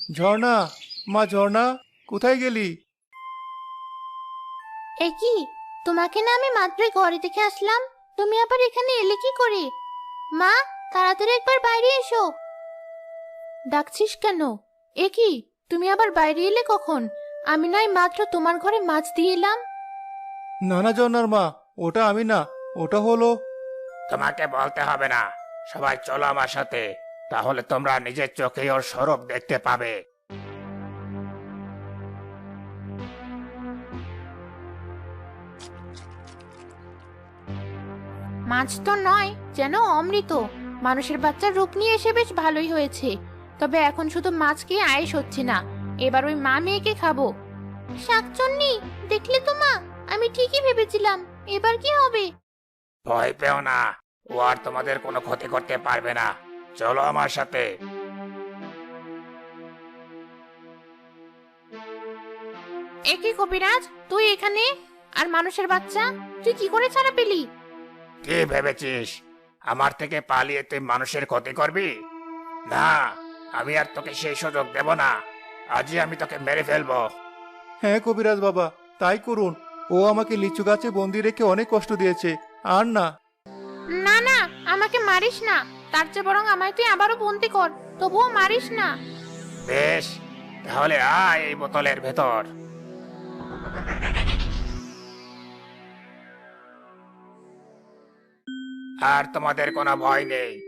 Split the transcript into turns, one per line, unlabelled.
ঝর্ণা, মা ঝর্ণা, কোথায় গেলি?
এ কি, তোমাকে না আমি মাত্রই ঘরে থেকে আসলাম, তুমি আবার এখানে এলে কি করে? মা, তাড়াতাড়ি একবার বাইরে এসো। ডাকছিস কেন? এ কি, তুমি আবার বাইরে এলে কখন? আমি নয় মাত্র তোমার ঘরে মাছ দিয়ে এলাম।
না না ঝর্ণার মা, ওটা আমি না, ওটা হলো।
তোমাকে বলতে হবে না। সবাই চলো আমার সাথে, তাহলে তোমরা নিজের চোখেই ওর স্বরূপ দেখতে পাবে।
মাছ তো নয়, যেন অমৃত। মানুষের বাচ্চার রূপ নিয়ে এসে বেশ ভালোই হয়েছে। তবে এখন শুধু মাছ খেয়ে আয়েশ হচ্ছে না, এবার ওই মা মেয়েকে খাবো। শাকচন্নি, দেখলে তো মা, আমি ঠিকই ভেবেছিলাম। এবার কি হবে?
ভয় পেও না, ও আর তোমাদের কোনো ক্ষতি করতে পারবে না। চলো আমার সাথে।
এ কি কবিরাজ, তুই এখানে? আর মানুষের বাচ্চা তুই কি করে ছাড়া পেলি?
কি ভেবেছিস আমার থেকে পালিয়ে তুই মানুষের ক্ষতি করবি? না, আমি আর তোকে সেই সুযোগ দেব না। আজই আমি তোকে মেরে ফেলবো।
হ্যাঁ কবিরাজ বাবা, তাই করুন। ও আমাকে লিচু গাছে বন্দি রেখে অনেক কষ্ট দিয়েছে। আর না।
না না, আমাকে মারিস না। তার চেয়ে বরং আমায় তুই আবারও বন্দি কর, তবুও মারিস না।
বেশ, তাহলে আয় এই বোতলের ভেতর। আর তোমাদের কোনো ভয় নেই।